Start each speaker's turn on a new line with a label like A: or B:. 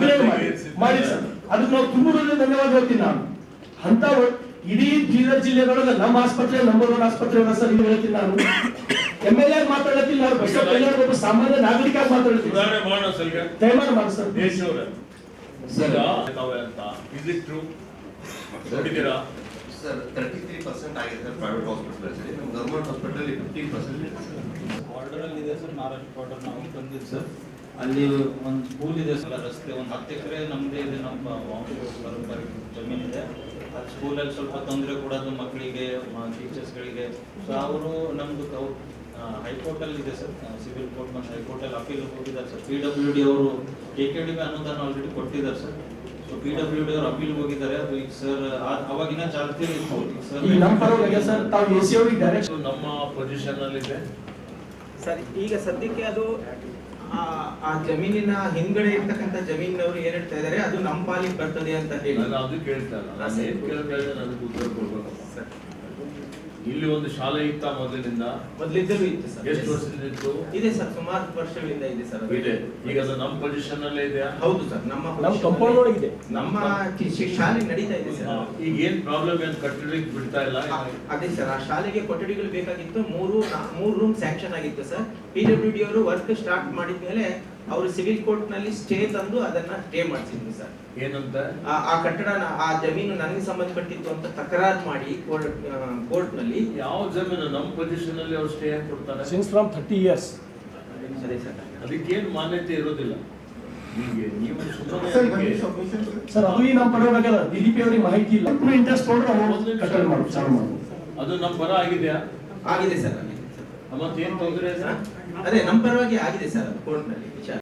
A: ಅಭಿನಯ ಮಾಡಿ ಸರ್. ಅದಕ್ಕೆ ನಾವು ತುಂಬುವುದರಿಂದ ಧನ್ಯವಾದ ಹೇಳ್ತೀನಿ ನಾನು. ಅಂತ ಇಡೀ ಬೀದರ್ ಜಿಲ್ಲೆದೊಳಗೆ ನಮ್ಮ ಆಸ್ಪತ್ರೆ ನಂಬರ್ 1 ಆಸ್ಪತ್ರೆ ಸರ್. ಇದು ಹೇಳ್ತೀನಿ ನಾನು. MLA ಮಾತಾಡತ್ತಿಲ್ಲ, ನಾವು ಒಬ್ಬ ಸಾಮಾನ್ಯ ನಾಗರಿಕ ಮಾತಾಡ್ತೀವಿ. ದಯಮಾಡಿ ಮಾಡಿ ಸರ್.
B: ಸರ್ 33% ಆಗಿದೆ ಸರ್ ಪ್ರೈವೇಟ್ ಹಾಸ್ಪಿಟಲ್. ನಮ್ಮ ಗವರ್ಮೆಂಟ್ ಹಾಸ್ಪಿಟಲ್ 15%
C: ಬಾರ್ಡರ್ ಅಲ್ಲಿ ಇದೆ ಸರ್. ಮಹಾರಾಷ್ಟ್ರ ಬಾರ್ಡರ್ ನಾವು ಬಂದಿದ್ದು ಸರ್. ಅಲ್ಲಿ ಒಂದು ಸ್ಕೂಲ್ ಇದೆ ಸರ್, ರಸ್ತೆ ಒಂದು 10 ಎಕರೆ ನಮ್ಮದೇ ಇದೆ, ನಮ್ಮ ಬರೋಬ್ಬರಿ ಜಮೀನಿದೆ. ಅದು ಸ್ಕೂಲಲ್ಲಿ ಸ್ವಲ್ಪ ತೊಂದರೆ ಕೊಡೋದು ಮಕ್ಕಳಿಗೆ, ಟೀಚರ್ಸ್ಗಳಿಗೆ. ಸೊ ಅವರು ನಮ್ಮದು ಹೈಕೋರ್ಟಲ್ಲಿ ಇದೆ ಸರ್, ಸಿವಿಲ್ ಕೋರ್ಟ್ ಮತ್ತು ಹೈಕೋರ್ಟಲ್ಲಿ ಅಪೀಲ್ ಹೋಗಿದ್ದಾರೆ ಸರ್. PWD ಅವರು KKD ಅನುದಾನ ಆಲ್ರೆಡಿ ಕೊಟ್ಟಿದ್ದಾರೆ ಸರ್. ಸೊ PWD ಅವರು ಅಪೀಲ್ ಹೋಗಿದ್ದಾರೆ. ಅದು ಈಗ ಸರ್ ಅವಾಗಿನ ಚಾಲ್ತಿ ಸರ್
A: ನಮ್ಮ ಪರವಾಗಿ ಸರ್. ತಾವು AC ಅವರಿಗೆ ಡೈರೆಕ್ಟ್
D: ನಮ್ಮ ಪೊಸಿಷನ್ ಅಲ್ಲಿ ಇದೆ
E: ಸರ್. ಈಗ ಸದ್ಯಕ್ಕೆ ಅದು ಆ ಜಮೀನಿನ ಹಿಂದ್ಗಡೆ ಇರ್ತಕ್ಕಂಥ ಜಮೀನಿನವರು ಏನ್ ಹೇಳ್ತಾ ಇದಾರೆ, ಅದು ನಮ್ಮ ಪಾಲಿಗೆ ಬರ್ತದೆ ಅಂತ ಹೇಳಿ
D: ನಾನು ಅದು ಕೇಳ್ತಾ ಇಲ್ಲ. ನಾನು ಏನ್ ಕೇಳ್ತಾ ಇದ್ದೆ ನನಗೆ ಉತ್ತರ ಕೊಡ್ಬೇಕು ಸರ್. ಇಲ್ಲಿ ಒಂದು ಶಾಲೆ ಇತ್ತ
E: ಮೊದಲಿದ್ದಲೂ ಇತ್ತು ಸರ್.
D: ಎಷ್ಟು ವರ್ಷದಿಂದ ಇತ್ತು?
E: ಇದೆ ಸರ್, ಸುಮಾರು ವರ್ಷಗಳಿಂದ ಇದೆ ಸರ್.
D: ಇದೆ. ಈಗ ಅದು ನಮ್ಮ ಪೊಸಿಷನ್ ಅಲ್ಲೇ ಇದೆಯಾ?
E: ಹೌದು ಸರ್, ನಮ್ಮ
A: ಕಂಪೌಂಡ್ ಒಳಗಿದೆ.
E: ನಮ್ಮ ಶಾಲೆ ನಡೀತಾ ಇದೆ ಸರ್.
D: ಈಗ ಏನ್ ಪ್ರಾಬ್ಲಮ್ ಏನ್ ಕಟ್ಟಡಕ್ಕೆ ಬಿಡ್ತಾ ಇಲ್ಲ?
E: ಅದೇ ಸರ್, ಆ ಶಾಲೆಗೆ ಕೊಠಡಿಗಳು ಬೇಕಾಗಿತ್ತು. ಮೂರು ರೂಮ್ ಸ್ಯಾಂಕ್ಷನ್ ಆಗಿತ್ತು ಸರ್. PWD ಅವರು ವರ್ಕ್ ಸ್ಟಾರ್ಟ್ ಮಾಡಿದ್ಮೇಲೆ ಅವರು ಸಿವಿಲ್ ಕೋರ್ಟ್ ನಲ್ಲಿ ಸ್ಟೇ ತಂದು ಅದನ್ನ ಸ್ಟೇ ಮಾಡಿಸಿದ್ರು ಸರ್.
D: ಏನಂತ?
E: ಆ ಕಟ್ಟಡ, ಆ ಜಮೀನು ನನಗೆ ಸಂಬಂಧಪಟ್ಟಿತ್ತು ಅಂತ ತಕರಾರು ಮಾಡಿ ಕೋರ್ಟ್ ನಲ್ಲಿ.
D: ಯಾವ ಜಮೀನು ನಮ್ಮ ಪೊಸಿಷನ್ ಅಲ್ಲಿ ಅವ್ರು ಸ್ಟೇ ಆಗಿ ಕೊಡ್ತಾರೆ?
A: Since from 30 years.
E: ಅದೇ ಸರ್,
D: ಅದಕ್ಕೇನು ಮಾನ್ಯತೆ ಇರೋದಿಲ್ಲ. ಹೀಗೆ ನೀವು
A: ಸರ್ ಅದು ಈ ನಮ್ಮ ಪರವಾಗಲ್ಲ. DDP ಅವರಿಗೆ ಮಾಹಿತಿ ಇಲ್ಲ. ಇಂಟ್ರೆಸ್ಟ್ ಕೊಡ್ರೆ ಅವರು ಕಟ್ಟಡ ಮಾಡೋದು ಚಾಲು ಮಾಡೋದು.
D: ಅದು ನಮ್ಮ ಪರ ಆಗಿದೆಯಾ?
E: ಆಗಿದೆ ಸರ್.
D: ಮತ್ತೇನು ತೊಂದರೆ?
E: ಅದೇ ನಮ್ಮ ಪರವಾಗಿ ಆಗಿದೆ ಸರ್ ಕೋರ್ಟ್ ನಲ್ಲಿ ವಿಚಾರ.